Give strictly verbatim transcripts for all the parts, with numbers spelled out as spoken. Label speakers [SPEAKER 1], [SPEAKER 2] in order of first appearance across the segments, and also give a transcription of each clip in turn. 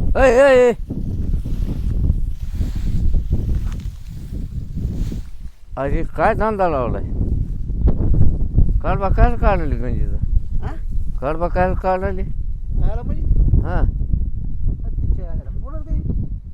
[SPEAKER 1] अय अय अरे काय धंदा लावलाय? कडबा काय काढली गंजीचा?
[SPEAKER 2] हा
[SPEAKER 1] कडबा काय काढली?
[SPEAKER 2] खायला म्हणजे
[SPEAKER 1] हा
[SPEAKER 2] तिच्या ह्याला पुढं काही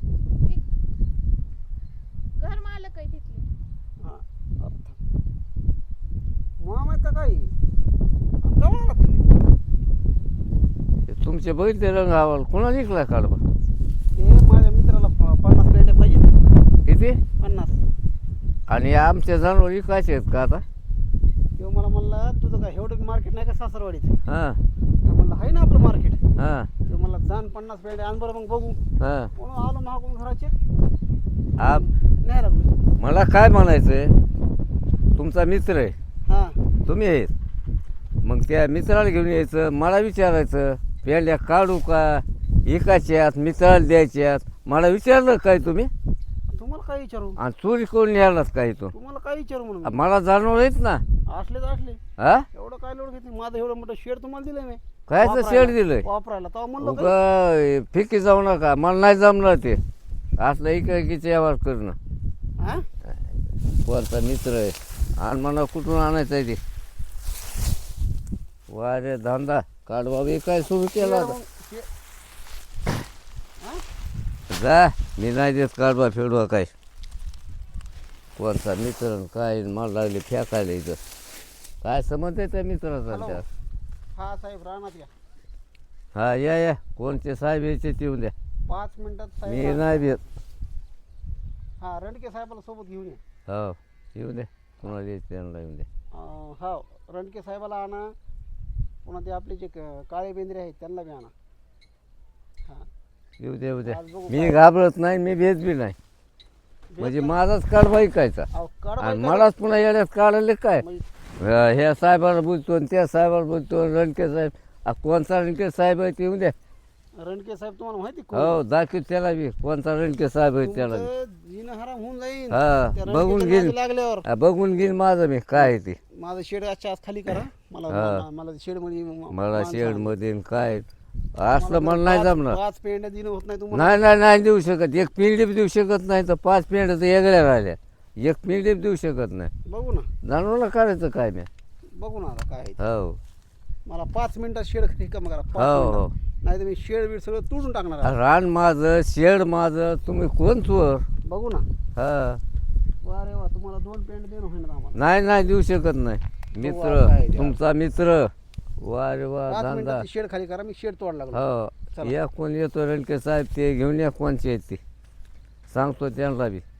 [SPEAKER 3] घर मालक आहे तिथले.
[SPEAKER 2] हा अर्थ मामा तर काही कवा आलात तुम्ही?
[SPEAKER 1] हे तुमचे बघितले रंग आवाल कोणा निघलाय कडबा?
[SPEAKER 2] हे माझ्या मित्राला प- पन्नास पेंड्या पाहिजेत.
[SPEAKER 1] किती?
[SPEAKER 2] पन्नास.
[SPEAKER 1] आणि आमच्या जनावर विकायचे आहेत का आता?
[SPEAKER 2] किंवा मला म्हणला तुझं काय एवढं मार्केट नाही का सासरवाडीत?
[SPEAKER 1] हां
[SPEAKER 2] मी म्हणलं आहे ना आपलं मार्केट.
[SPEAKER 1] हां
[SPEAKER 2] ते म्हणला जाण पन्नास पेंड्या आण बरं मग बघू.
[SPEAKER 1] हां
[SPEAKER 2] म्हणून आलो महागून घराचे
[SPEAKER 1] आप
[SPEAKER 2] नाही लागलो.
[SPEAKER 1] मला काय म्हणायचंय, तुमचा मित्र आहे,
[SPEAKER 2] हां
[SPEAKER 1] तुम्ही आहेत, मग त्या मित्राला घेऊन यायचं, मला विचारायचं पेंड्या काढू का एकाच्यात मित्राला द्यायच्यात, मला विचारलं काय तुम्ही?
[SPEAKER 2] तुम्हाला काय विचारू?
[SPEAKER 1] आणि चोरी करून न्यायलाच काय तू?
[SPEAKER 2] तुम्हाला काय विचारू म्हणून मी?
[SPEAKER 1] मला जाणवलं आहेत ना.
[SPEAKER 2] असले तर असले.
[SPEAKER 1] हा
[SPEAKER 2] एवढं काय लोड घेतली? माझं एवढं मोठं शेड तुम्हाला दिलंय मी
[SPEAKER 1] कायचं
[SPEAKER 2] वापरायला.
[SPEAKER 1] शेड दिलंय?
[SPEAKER 2] वापरायला तेव्हा म्हणलं काय?
[SPEAKER 1] उगा फिकी जाऊ नका, मला नाही जमणार ते असलं एकाकीचे व्यवहार करणं.
[SPEAKER 2] हा?
[SPEAKER 1] कोणता मित्र आहे आणि मला कुठून आणायचं आहे ते? वा रे धंदा काढ बाबा, काय सुरू केला
[SPEAKER 2] शेड
[SPEAKER 1] होता?
[SPEAKER 2] मग शे-
[SPEAKER 1] जा, मी नाही देत काढवा फेडवा काय. कोणता मित्र आणि काय मला लागले फेकायला इथं. काय समज आहे त्या मित्राचा
[SPEAKER 2] हॅलो.
[SPEAKER 1] त्या?
[SPEAKER 2] हा साहेब राहणार या
[SPEAKER 1] हा या या, कोणते साहेब यायचे ते येऊन द्या,
[SPEAKER 2] पाच मिनिटात
[SPEAKER 1] मी
[SPEAKER 2] साहेब.
[SPEAKER 1] नाही देत.
[SPEAKER 2] हा रणके साहेबाला सोबत घेऊन या.
[SPEAKER 1] हो येऊन द्या, कोणाला यायचं त्यांना येऊन द्या.
[SPEAKER 2] अं, हा रणके साहेबाला आणा. पुन्हा ते आपले जे क- काळे बेंद्रे आहेत त्यांना बी आणा. हा
[SPEAKER 1] येऊ द्या येऊ द्या,
[SPEAKER 2] आज बघू
[SPEAKER 1] मी
[SPEAKER 2] काय.
[SPEAKER 1] घाबरत नाही, मी भेट बी नाही. म्हणजे माझाच काढवा ऐकायचा
[SPEAKER 2] अहो, काढ
[SPEAKER 1] आणि
[SPEAKER 2] बाई,
[SPEAKER 1] मलाच पुन्हा येण्यात काढले काय?
[SPEAKER 2] म्हणजे
[SPEAKER 1] अं, ह्या साहेबाला बोलतो आणि त्या साहेबाला बोलतो, रणके साहेब आ, कोणता रणके साहेब आहे ते येऊन द्या.
[SPEAKER 2] रणके साहेब तुम्हाला माहिती कोण?
[SPEAKER 1] हो दाखव त्याला बी कोणता रणके साहेब आहे त्याला बी.
[SPEAKER 2] तुमचं जीणं हराम होऊन जाईल
[SPEAKER 1] हा,
[SPEAKER 2] त्या
[SPEAKER 1] बघून
[SPEAKER 2] रणकेच्या
[SPEAKER 1] घेईन.
[SPEAKER 2] नादी लागल्यावर.
[SPEAKER 1] हा, बघून घेईन माझं मी काय आहे ते.
[SPEAKER 2] माझं शेड आजच्या आज खाली करा. मला
[SPEAKER 1] हा.
[SPEAKER 2] मला- मला शेड मध्ये म-
[SPEAKER 1] मला
[SPEAKER 2] माणसं
[SPEAKER 1] शेड
[SPEAKER 2] आणा.
[SPEAKER 1] मध्ये न काय असलं
[SPEAKER 2] मला
[SPEAKER 1] मला नाही
[SPEAKER 2] पाच-
[SPEAKER 1] जमणार.
[SPEAKER 2] पाच पेंड्या दिलं होत नाही तुम्हाला.
[SPEAKER 1] नाही नाही नाही देऊ शकत, एक पिंडी बी देऊ शकत नाही तर पाच पिंड्या तर वेगळ्या राहिल्या, एक पिंडी बी देऊ शकत नाही.
[SPEAKER 2] बघू ना
[SPEAKER 1] जाणवलं काढायचं काय मी?
[SPEAKER 2] बघू ना आता काय आहे ते.
[SPEAKER 1] हो
[SPEAKER 2] मला पाच मिनिटात शेड रिकाम करा. पाच
[SPEAKER 1] हो हो.
[SPEAKER 2] मिनिटात. नाही तर मी शेड बीड सगळं तोडून टाकणार आहे.
[SPEAKER 1] रान माझं शेड माझं, तुम्ही कोण चोर?
[SPEAKER 2] बघू ना.
[SPEAKER 1] हा
[SPEAKER 2] वा रे वा, तुम्हाला दोन पेंड देणं होईना आम्हाला.
[SPEAKER 1] नाही नाही देऊ शकत नाही.
[SPEAKER 2] काय
[SPEAKER 1] मित्र
[SPEAKER 2] द्या.
[SPEAKER 1] तुमचा मित्र, वा रे वा
[SPEAKER 2] पाच
[SPEAKER 1] धंदा.
[SPEAKER 2] मिनिटात शेड खाली करा. मी शेड तोड लागलो.
[SPEAKER 1] हो
[SPEAKER 2] चला.
[SPEAKER 1] या कोण येतो रणके साहेब ते घेऊन या कोणचे आहेत ते सांगतो त्यांना बी.